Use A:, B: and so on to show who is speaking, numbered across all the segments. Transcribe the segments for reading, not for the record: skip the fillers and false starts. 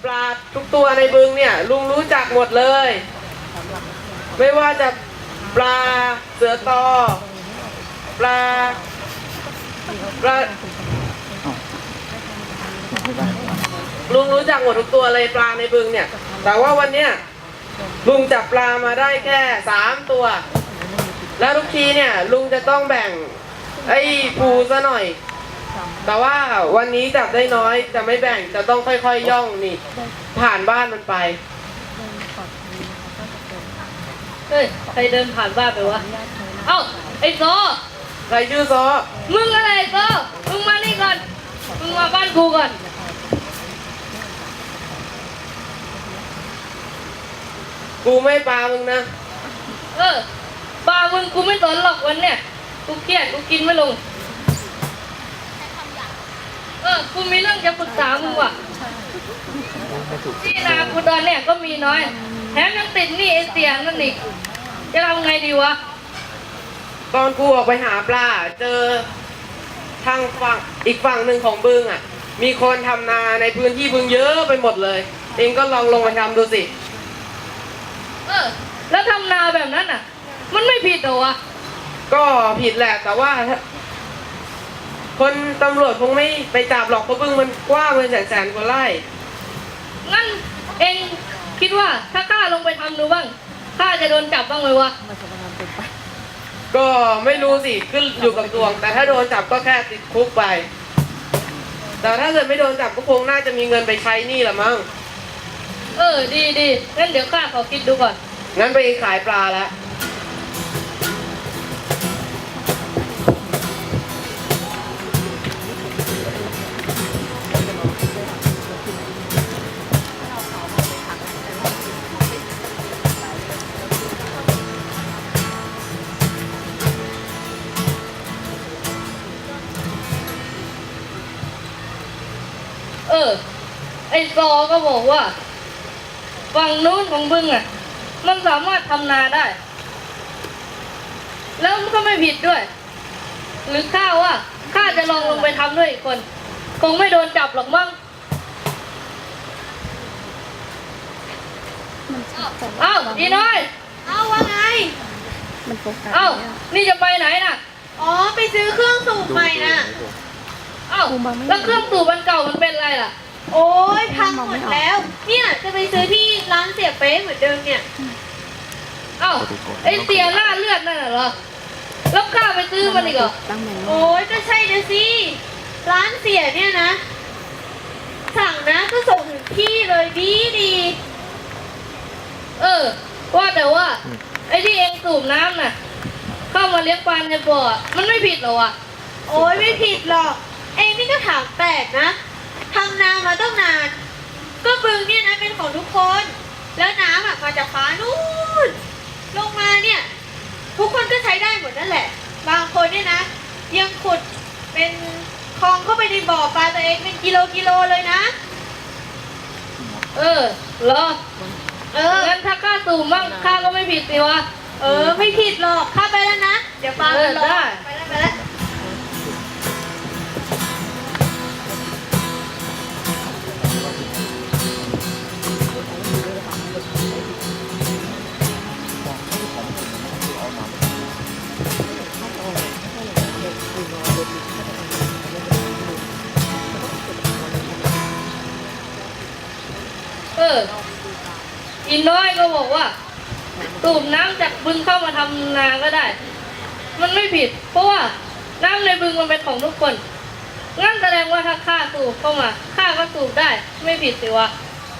A: ปลาทุกตัวในบึงเนี่ยลุงรู้จักหมดเลย ไม่ว่าจะปลาเสือตอปลาลุงรู้จักหมดทุกตัวเลยปลาในบึงเนี่ยแต่ว่าวันเนี้ยลุงจับปลามาได้แค่3 ตัวแล้วทุกทีเนี่ยลุงจะต้องแบ่งไอ้ปูซะหน่อยแต่ว่าวันนี้จับได้น้อยจะไม่แบ่งจะต้องค่อยๆย่องนี่ผ่านบ้านมันไป
B: เฮ้ยใครเดินผ่านบ้านไปวะเอ้าไอ้โซ
A: ใครชื่อซอ
B: มึงอะไรโซมึงมานี่ก่อนมึงมาบ้านกูก่อน
A: กูไม่ปลามึงนะ
B: ปลามึงกูไม่สนหรอกวันเนี่ยกูเครียดกูกินไม่ลงกูมีเรื่องจะปรึกษามึงว่ะที่นากูตอนเนี่ยก็มีน้อยแถมยังติดหนี้ไอเสียนั่นอีกจะทำไงดีวะ
A: ตอนกูออกไปหาปลาเจอทางฝั่งอีกฝั่งหนึ่งของบึงอ่ะมีคนทำนาในพื้นที่บึงเยอะไปหมดเลยเองก็ลองลงไปทำดูสิ
B: แล้วทำนาแบบนั้นอ่ะมันไม่ผิดหรอวะ
A: ก็ผิดแหละแต่ว่าคนตำรวจคงไม่ไปจับหรอกเพราะบึงมันกว้างเป็นแสนกว่าไร่
B: งั้นเองคิดว่าถ้าข้าลงไปทำดูบ้างข้าจะโดนจับบ้างไหมวะ
A: ก็ไม่รู้สิขึ้นอยู่กับดวงแต่ถ้าโดนจับก็แค่ติดคุกไปแต่ถ้าเกิดไม่โดนจับก็คงน่าจะมีเงินไปใช้หนี้ละมั้ง
B: ดีงั้นเดี๋ยวข้าขอคิดดูก่อน
A: งั้นไปขายปลาแล้ว
B: ไอ้ซอก็บอกว่าฝั่งนู้นของบึงอ่ะมันสามารถทำนาได้แล้วมันก็ไม่ผิดด้วยหรือข้าว่าข้าจะลองลงไปทำด้วยอีกคนคงไม่โดนจับหรอกมั้งเอ้าอีน้อย
C: ว่าไง
B: นี่จะไปไหนน่ะ
C: ไปซื้อเครื่องสูบใหม่น่ะ
B: แล้วเครื่องสูบมันเก่ามันเป็นอะไรล่ะ
C: โอ้ยพังหมดแล้วเนี่ยจะไปซื้อที่ร้านเสียเป๊ะเหมือนเดิมเนี่ย
B: ไอเสียหน้าเลือดนั่นเหรอแล้วข้าไปซื้อมันอีกเหรอ
C: โอ้ยก็ใช่นะสิร้านเสียเนี่ยนะสั่งนะก็ส่งถึงที่เลยดี
B: ว่าแต่ว่าไอที่เองสูบน้ำน่ะเข้ามาเลี้ยงปลาในบ่อมันไม่ผิดหรอวะ
C: โอ้ยไม่ผิดหรอกเองนี่ก็ถามแปลกนะทำนามาตั้งนานก็บึงเนี่ยนะเป็นของทุกคนแล้วน้ำมาจากฟ้านู่นลงมาเนี่ยทุกคนก็ใช้ได้หมดนั่นแหละบางคนเนี่ยนะยังขุดเป็นคลองเข้าไปในบ่อปลาตัวเองเป็นกิโลเลยนะ
B: เหรองั้นถ้าข้าสูบมั่งข้าก็ไม่ผิดสิวะ
C: ไม่ผิดหรอกข้าไปแล้วนะเดี๋ยวฟังกันรอไปแล้ว
B: อีน้อยก็บอกว่าสูบน้ำจากบึงเข้ามาทำนาก็ได้มันไม่ผิดเพราะว่าน้ำในบึงมันเป็นของทุกคนงั้นแสดงว่าถ้าข้าสูบเข้ามาข้าก็สูบได้ไม่ผิดสิวะ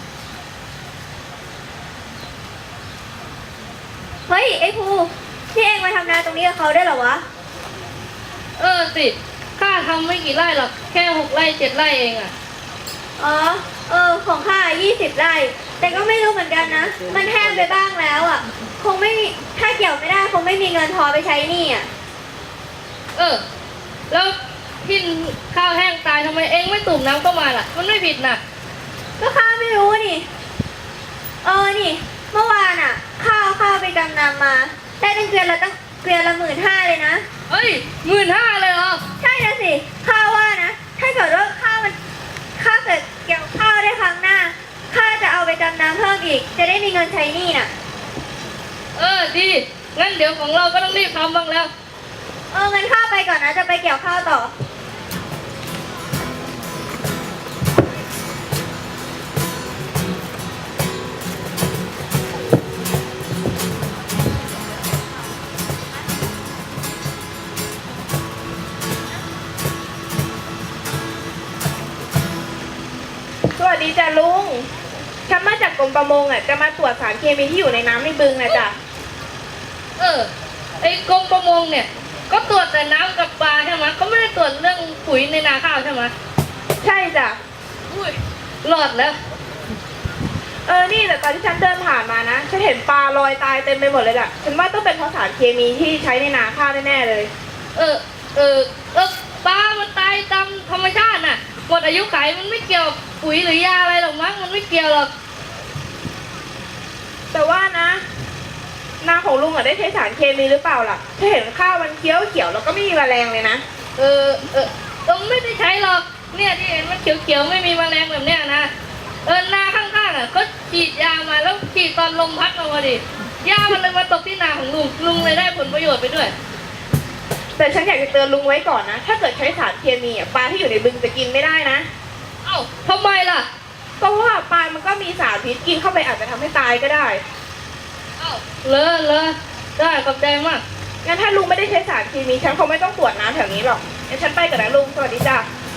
C: เฮ้ยไอ้ภูที่เองมาทำนาตรงนี้กับเขาได้หรอวะ
B: สิข้าทำไม่กี่ไร่หรอกแค่6 ไร่ 7 ไร่เองอ่ะ
C: ของข้า20 ไร่แต่ก็ไม่รู้เหมือนกันนะมันแห้งไปบ้างแล้วอ่ะคงไม่ถ้าเกี่ยวไม่ได้คงไม่มีเงินพอไปใช้หนี้อ่ะ
B: แล้วที่ข้าวแห้งตายทำไมเองไม่ตุ่มน้ำเข้ามาล่ะมันไม่ผิดนะ
C: ก็ข้าไม่รู้นี่นี่เมื่อวานอ่ะข้าวไปกำนำมาได้ตั้งเกวียนละ15,000เลยนะ
B: 15,000เลยเหรอ
C: ใช่นะสิข้าว่านะถ้าเกิดว่าข้าเกิดเกี่ยวข้าวได้ครั้งหน้าข้าอีก จะได้มีเงินใช้หนี้น่ะ
B: ดี งั้นเดี๋ยวของเราก็ต้องรีบทำบ้างแล้ว
C: เงินข้าวไปก่อนนะ จะไปเกี่ยวข้าวต่อ
D: สวัสดีจ้ะลุง ฉันมาจากกรมประมงจะมาตรวจสารเคมีที่อยู่ในน้ำในบึงนะจ๊ะ
B: ไอ้กรมประมงเนี่ย ก็ตรวจแต่น้ำกับปลาใช่ไหมเขาไม่ได้ตรวจเรื่องปุ๋ยในนาข้าวใช่ไหม
D: ใช่จ้ะ
B: อุ้ยรอดแล้ว
D: นี่แต่ตอนที่ฉันเดินผ่านมานะ ฉันเห็นปลาลอยตายเต็มไปหมดเลยล่ะ ฉันว่าต้องเป็นเพราะสารเคมีที่ใช้ในนาข้าวแน่ๆเลย
B: ปลามันตายตามธรรมชาติน่ะหมดอายุขัยมันไม่เกี่ยวกับปุ๋ยหรือยาอะไรหรอกมั้งมันไม่เกี่ยวหรอก
D: แต่ว่านะ นาของลุงได้ใช้สารเคมีหรือเปล่าล่ะฉันเห็นข้าวมันเขียวๆแล้วก็ไม่มีแมลงเลยนะ
B: ต้องไม่ได้ใช้หรอก เนี่ยที่เห็นมันเขียวๆไม่มีแมลงแบบเนี้ยนะนาข้างๆก็ฉีดยามาแล้วฉีดตอนลมพัดมาดิยามันเลยมาตกที่นาของลุงเลยได้ผลประโยชน์ไปด้วย
D: แต่ฉันอยากจะเตือนลุงไว้ก่อนนะ ถ้าเกิดใช้สารเคมีปลาที่อยู่ในบึงจะกินไม่ได้นะ
B: เอ้าทำไมล่ะ
D: ก็เพราะว่าปลามันก็มีสารพิษกินเข้าไปอาจจะทำให้ตายก็ได้
B: เอ้าเลยได้ขอบใจมาก
D: งั้นถ้าลุงไม่ได้ใช้สารเคมีฉันคงไม่ต้องตรวจน้ำแถวนี้หรอกงั้นฉันไปก่อนนะลุง สวัสดีจ้ะ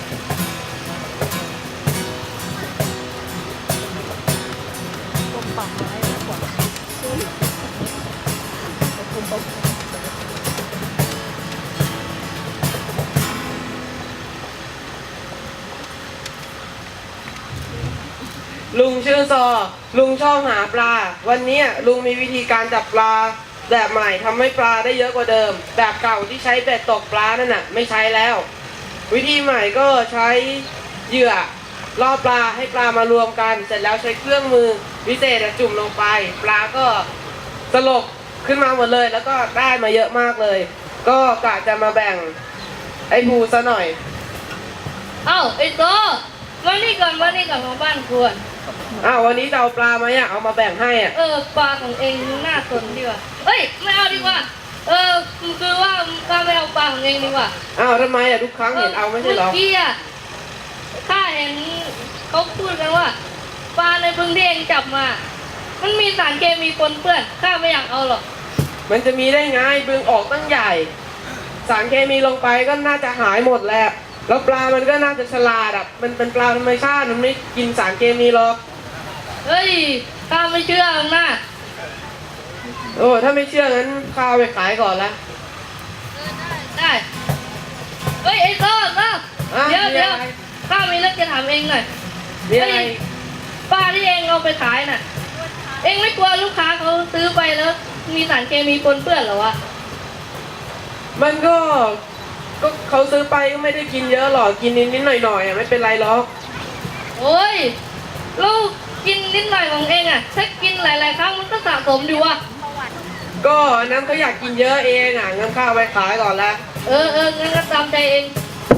A: ลุงชื่อซอ ลุงชอบหาปลา วันนี้ลุงมีวิธีการจับปลาแบบใหม่ทำให้ปลาได้เยอะกว่าเดิม แบบเก่าที่ใช้เบ็ดตกปลานั่นน่ะไม่ใช้แล้ว วิธีใหม่ก็ใช้เหยื่อล่อปลาให้ปลามารวมกัน เสร็จแล้วใช้เครื่องมือพิเศษจุ่มลงไป ปลาก็สลบขึ้นมาหมดเลย แล้วก็ได้มาเยอะมากเลย ก็กะจะมาแบ่งไอ้ภูซะหน่อย
B: เอ้าไอ้โตมานี่ก่อนของบ้านควร
A: วันนี้จะเอาปลามาเอามาแบ่งให้อ่ะ
B: ปลาของเองน่าสนดีกว่าเอ้ยไม่เอาดีกว่าคือว่าข้าไม่เอาปลาของเองดีกว่า
A: ทำไมทุกครั้งเห็นเอาไม่ใช่เหรอ
B: เมื่อกี้ข้าเห็นเขาพูดกันว่าปลาในบึงที่เองจับมา มันมีสารเคมีปนเปื้อนข้าไม่อยากเอาหรอก
A: มันจะมีได้ไงบึงออกตั้งใหญ่ สารเคมีลงไปก็น่าจะหายหมดแหละแล้วปลามันก็น่าจะฉลาดมันเป็นปลาธรรมชาติมันไม่กินสารเคมีหรอก
B: เฮ้ยข้าไม่เชื่อหรอกนะ
A: ถ้าไม่เชื่องั้นข้าเอาไปขายก่อนละ
B: ได้เฮ้ยไอ้โตเดี๋ยว
A: มีอะไร
B: ข้ามีเรื่องจะถามเองหน่อย
A: มีอะไร
B: ปลาที่เองเอาไปขายน่ะ เองไม่กลัวลูกค้าเขาซื้อไปแล้ว มีสารเคมีปนเปื้อนเหรอวะ
A: มันก็เขาซื้อไปก็ไม่ได้กินเยอะหรอกกินนิดๆหน่อยๆไม่เป็นไรหรอก
B: โอ้ยลูกกินนิดหน่อยของเองอ่ะ ถ้ากินหลายๆครั้งมันก็สะสมดีวะ
A: ก็อันนั้นเขาอยากกินเยอะเองงั้นข้าเอาไปขายก่อนละ
B: งั้นก็ตามใจเอง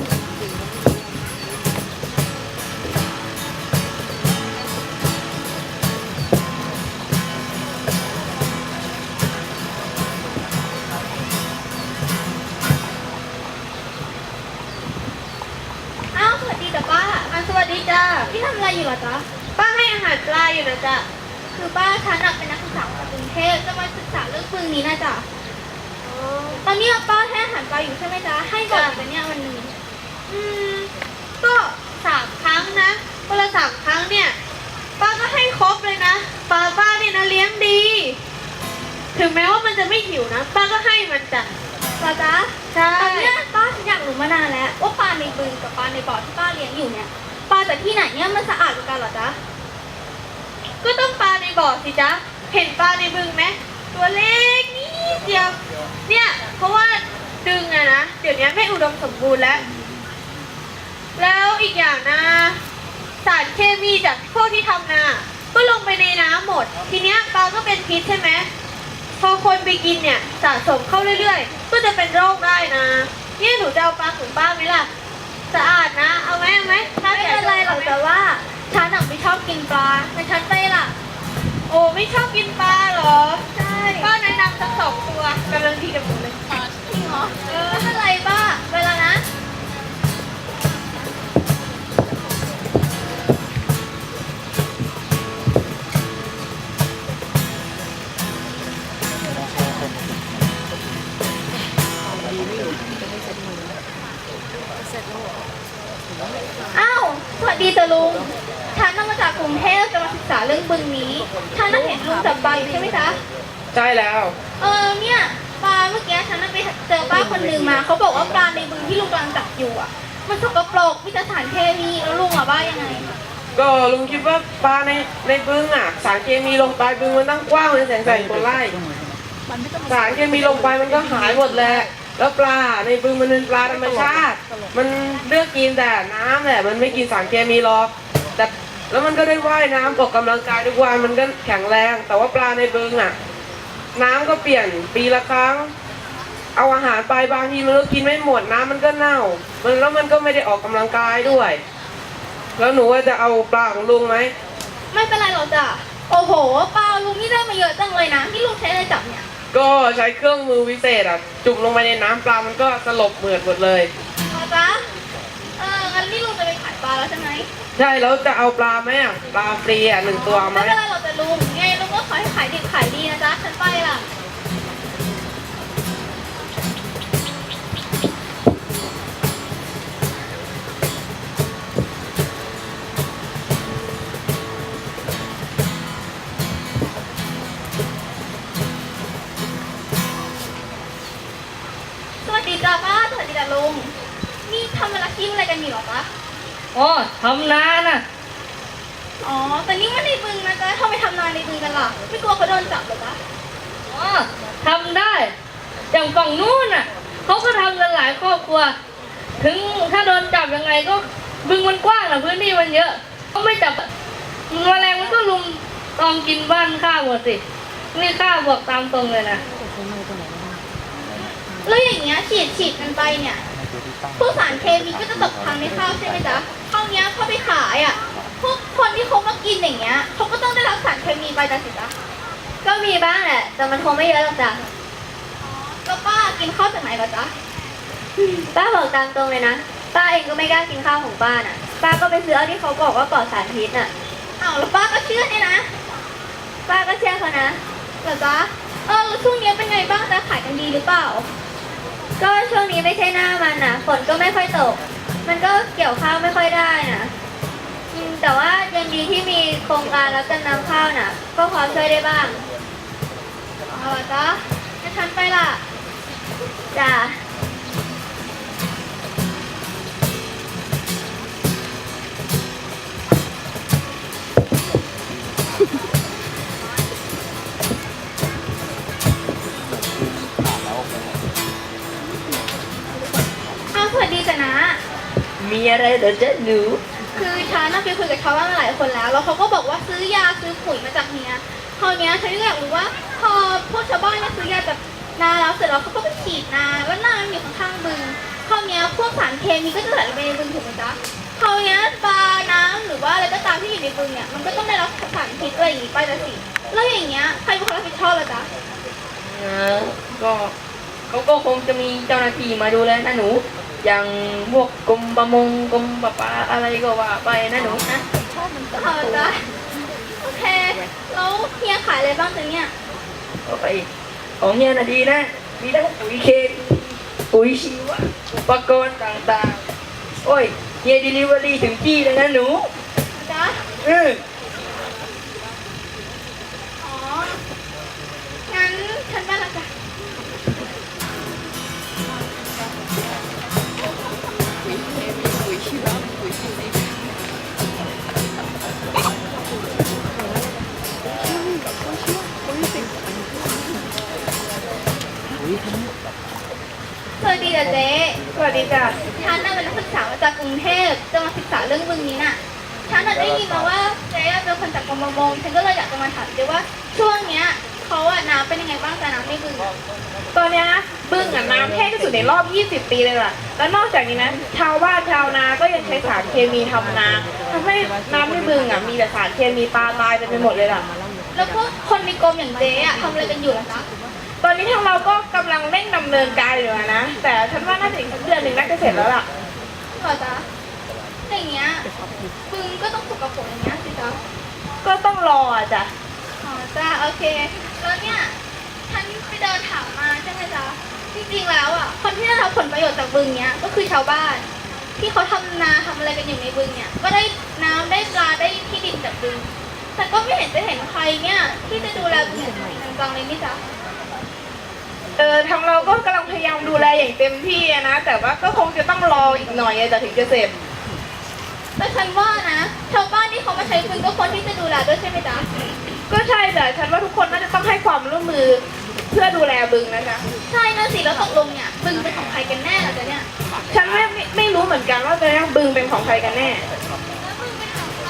C: สวัสดีจ้ะป้าสวัสดีจ้ะพี่ทำอะไรอยู่เหรอจ๊ะ ป้าให้อาหารปลาอยู่นะจ๊ะ คือป้าฉันเป็นนักศึกษาจากกรุงเทพจะมาศึกษาเรื่องบึงนี้นะจ๊ะตอนนี้ป้าให้อาหารปลาอยู่ใช่ไหมจ๊ะ ให้บ่อยแต่เนี่ยวันนี้ก็3 ครั้งนะวันละ3 ครั้งเนี่ย ป้าก็ให้ครบเลยนะ ป้าเนี่ยนะเลี้ยงดี ถึงแม้ว่ามันจะไม่หิวนะ ป้าก็ให้มันจ้ะจ๊ะใช่
E: ตอนเนี้ยป้าฉันอยากรู้มานานแล้วว่าปลาในบึงกับปลาในบ่อที่ป้าเลี้ยงอยู่เนี่ยปลาจากที่ไหนเนี่ยมันสะอาดกว่ากันเหรอจ๊ะ
C: ก็ต้องปลาในบ่อสิจ๊ะ เห็นปลาในบึงไหมตัวเล็กนิดเดียว เนี่ย เพราะว่าดึงนะ เดี๋ยวนี้ไม่อุดมสมบูรณ์แล้ว แล้วอีกอย่างนะ สารเคมีจากพวกที่ทำนา ก็ลงไปในน้ำหมด ทีเนี้ยปลาก็เป็นพิษใช่ไหม พอคนไปกินเนี่ยสะสมเข้าเรื่อยๆ ก็จะเป็นโรคได้นะ เนี่ยหนูจะเอาปลาของป้าไหมล่ะ สะอาดนะ เอาไหมถ้า
E: ไม่
C: แก
E: เป็นไรหรอกแต่ว่าฉันไม่ชอบกินปลาแต่ฉันไปล่ะ
C: โอ้ไม่ชอบกินปลาเหรอ ใช่ ป้าแนะนำสัก2 ตัวกำลังดีกับหนูเลย
E: จริงเหรอไม่เป็นไรป้าเวลานะ อ้าว สวัสดีจ้ะลุง ฉันน่ะมาจากกรุงเทพจะมาศึกษาเรื่องบึงนี้ ฉันน่ะเห็นลุงจับปลาอยู่ใช่ไหมจ๊ะ
A: ใช่แล้ว
E: เนี่ยปลาเมื่อกี้ฉันน่ะไปเจอป้าคนหนึ่งมาเขาบอกว่าปลาในบึงที่ลุงกำลังจับอยู่อ่ะ มันสกปรกมีแต่สารเคมีแล้วลุงอ่ะว่ายังไง
A: ก็ลุงคิดว่าปลาในบึงอ่ะ สารเคมีลงไปบึงมันตั้งกว้างเลย100,000 กว่าไร่สารเคมีลงไปมันก็หายหมดแหละแล้วปลาในบึงมันเป็นปลาธรรมชาติ มันเลือกกินแต่น้ำแหละมันไม่กินสารเคมีหรอกแต่แล้วมันก็ได้ว่ายน้ำออกกำลังกายทุกวันมันก็แข็งแรง แต่ว่าปลาในบึงอ่ะ น้ำก็เปลี่ยนปีละครั้ง เอาอาหารไปบางทีมันก็กินไม่หมดน้ำมันก็เน่าแล้วมันก็ไม่ได้ออกกำลังกายด้วย แล้วหนูว่าจะเอาปลาของลุงไหม
E: ไม่เป็นไรหรอกจ้ะ โอ้โหปลาลุงนี่ได้มาเยอะจังเลยนะที่ลุงใช้อะไรจับเนี่ย
A: ก็ใช้เครื่องมือวิเศษอ่ะ จุ่มลงไปในน้ำปลามันก็สลบเหมือดหมดเลย
E: อ๋อจ๊ะงั้นนี่ลุงจะไปขายปลาแล้วใช่ไหม
A: ใช่แล้วจะเอาปลาไหมอ่ะปลาฟรีอ่ะ1 ตัวเอาไหม
E: ไม่เป็นไรหรอกจ้ะลุงไงลุงก็ขอให้ขายดิบขายดีนะจ๊ะ ฉันไปล่ะ สวัสดีจ้าป้า สวัสดีจ้าลุง นี่ทำอาชีพอะไรกันอยู่หรอจ๊ะ
B: อ๋อทำนาน่ะ
E: อ๋อ แต่นี่มันในบึงนะจ๊ะทำไมทำนาในบึงกันล่ะ ไม่กลัวเขาโดนจับเหรอจ๊ะ
B: อ๋อทำได้ อย่างฝั่งนู้นน่ะเขาก็ทำกันหลายครอบครัว ถึงถ้าโดนจับยังไงก็บึงมันกว้างนะพื้นที่มันเยอะเขาไม่จับแมลงมันก็ลุมตอมกินบ้านข้าวหมดสินี่ข้าบอกตามตรงเลยนะ
E: แล้วอย่างเงี้ยฉีดกันไปเนี่ยพวกสารเคมีก็จะตกค้างในข้าวใช่ไหมจ๊ะข้าวเนี้ยเข้าไปขายอ่ะ พวกคนที่เขามากินอย่างเงี้ยเขาก็ต้องได้รับสารเคมีไปจ้ะสิจ๊ะ ก็มีบ้างแหละ แต่มันคงไม่เยอะหรอกจ้ะแล้วป้ากินข้าวจากไหนเหรอจ๊ะ ป้าบอกตามตรงเลยนะ ป้าเองก็ไม่กล้ากินข้าวของป้าน่ะ ป้าก็ไปซื้อเอาที่เขาบอกว่าปลอดสารพิษน่ะอ้าวแล้วป้าก็เชื่อเนี่ยนะ ป้าก็เชื่อเขานะเหรอจ๊ะแล้วช่วงนี้เป็นไงบ้างจ๊ะขายกันดีหรือเปล่า ก็ช่วงนี้ไม่ใช่หน้ามันน่ะ ฝนก็ไม่ค่อยตก มันก็เกี่ยวข้าวไม่ค่อยได้น่ะแต่ว่ายังดีที่มีโครงการรับจำนำข้าวน่ะ ก็พอช่วยได้บ้างเอาล่ะจ๊ะงั้นฉันไปล่ะ จ้ะ สวัสดีจ้ะนะ
B: มีอะไรเหรอจ๊ะหนู
E: คือฉันน่ะไปคุยกับชาวบ้านมาหลายคนแล้ว แล้วเขาก็บอกว่าซื้อยาซื้อปุ๋ยมาจากเนี้ยคราวเนี้ยฉันก็อยากรู้ว่าพอพวกชาวบ้านเนี่ยซื้อยาจากนาแล้วเสร็จแล้วเขาก็ไปฉีดนาแล้วนามันอยู่ข้างๆบึงคราวเนี้ยพวกสารเคมีก็จะไหลลงไปในบึงถูกไหมจ๊ะคราวเนี้ยปลาน้ำหรือว่าอะไรก็ตามที่อยู่ในบึงเนี่ยมันก็ต้องได้รับสารพิษอะไรอย่างงี้ไปละสิแล้วอย่างเงี้ยใครเป็นคนรับผิดชอบล่ะจ๊ะ
F: ก็เขาก็คงจะมีเจ้าหน้าที่มาดูแลนะหนู อย่างพวกกรมประมงกรมประปาอะไรก็ว่าไปนะหนูนะ
E: เอาจ้ะโอเคแล้วเฮียขายอะไรบ้างจ๊ะเนี่ย
F: ก็ไปของเฮียน่ะดีนะ มีทั้งปุ๋ยเคมีปุ๋ยชีวะอุปกรณ์ต่างๆ โอ้ยเฮียดิลิเวอรี่ถึงที่เลยนะหนู
E: จ๊ะ
F: อือ
E: อ๋องั้นฉันไปละจ้ะ สวัสดีจ้ะเจ๊
D: สวัสดีจ้ะ
E: ฉันน่ะเป็นนักศึกษามาจากกรุงเทพจะมาศึกษาเรื่องบึงนี้น่ะ ฉันน่ะได้ยินมาว่าเจ๊เป็นคนจากกรมประมงฉันก็เลยอยากจะมาถามเจ๊ว่าช่วงเนี้ยเขาอะน้ำเป็นยังไงบ้างจ๊ะน้ำในบึงอะ
D: ตอนเนี้ยนะบึงอ่ะน้ำแห้งที่สุดในรอบ 20 ปีเลยล่ะ แล้วนอกจากนี้นะชาวบ้านชาวนาก็ยังใช้สารเคมีทำนาทำให้น้ำในบึงอ่ะมีแต่สารเคมีปลาตายเต็มไปหมดเลยล่ะ
E: แล้วพวกคนในกรมอย่างเจ๊อะทำอะไรกันอยู่ล่ะจ๊ะ
D: ตอนนี้ทางเราก็กำลังเร่งดำเนินการอยู่อะนะ แต่ฉันว่าน่าจะอีกสักเดือนหนึ่งน่าจะเสร็จแล้วล่ะ
E: เหรอจ๊ะอย่างเงี้ยบึงก็ต้องสกปรกอย่างเงี้ยสิจ๊ะ
D: ก็ต้องรออะจ้ะ
E: อ๋อจ้าโอเค แล้วเนี่ยฉันไปเดินถามมาใช่ไหมจ๊ะจริงๆแล้วอ่ะคนที่ได้รับผลประโยชน์จากบึงเนี้ยก็คือชาวบ้าน ที่เขาทำนาทำอะไรกันอยู่ในบึงเนี่ยก็ได้น้ำได้ปลาได้ที่ดินจากบึง แต่ก็ไม่เห็นจะเห็นใครเนี่ยที่จะดูแลบึงอย่างจริงจังเลยนี่จ๊ะ
D: ทางเราก็กำลังพยายามดูแลอย่างเต็มที่อะนะ แต่ว่าก็คงจะต้องรออีกหน่อยอะจะถึงจะเสร็จ
E: แต่ฉันว่านะชาวบ้านที่เขามาใช้บึงก็ควรที่จะดูแลด้วยใช่ไหมจ๊ะ
D: ก็ใช่แต่ฉันว่าทุกคนน่าจะต้องให้ความร่วมมือเพื่อดูแลบึงนะจ๊ะ
E: ใช่นะสิแล้วตกลงเนี่ยบึงเป็นของใครกันแน่ล่ะจ๊ะเนี่ย
D: ฉันไม่รู้เหมือนกันว่าจะบึงเป็นของใครกันแน่
E: แล้วบึงเป็นของใคร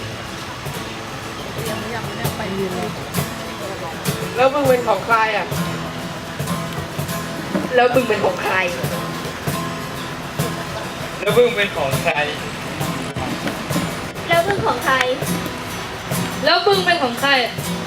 A: แล้วบึงเป็นของใครอ่ะ
F: แล้วบึงเป็นของใคร
G: แล้วบึ้งเป็นของใคร
E: แล้วบึงของใคร
B: แล้วบึงเป็นของใคร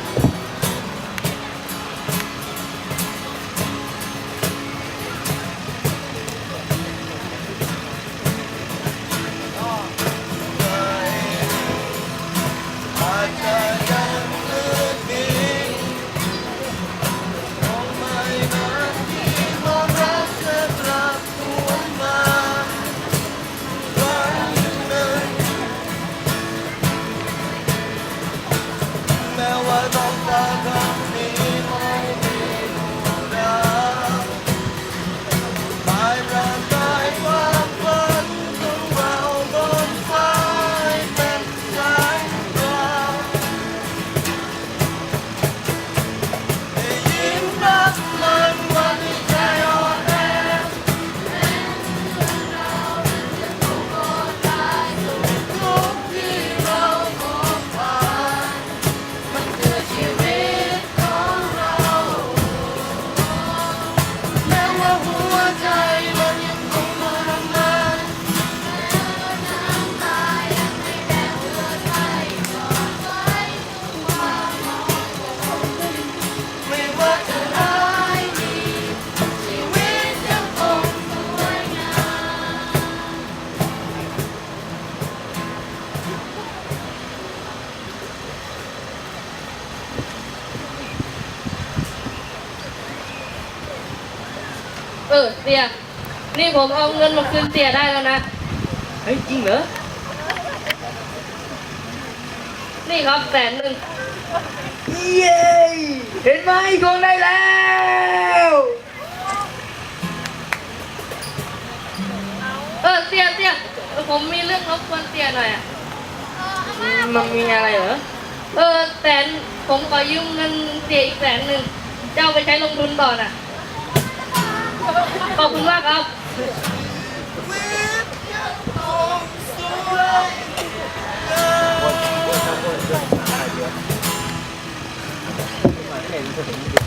B: เสีย นี่ผมเอาเงินมาคืนเสียได้แล้วนะ
F: เฮ้ย จริงเหรอ
B: นี่ครับ100,000
F: เย้ เห็นไหมทวงได้แล้ว
B: เสียผมมีเรื่องรบกวนเสียหน่อยอ่ะ
F: มันมีอะไรเหรอ
B: ผมขอยืมเงินเสียอีก100,000จะเอาไปใช้ลงทุนต่อน่ะ ขอบคุณมากครับ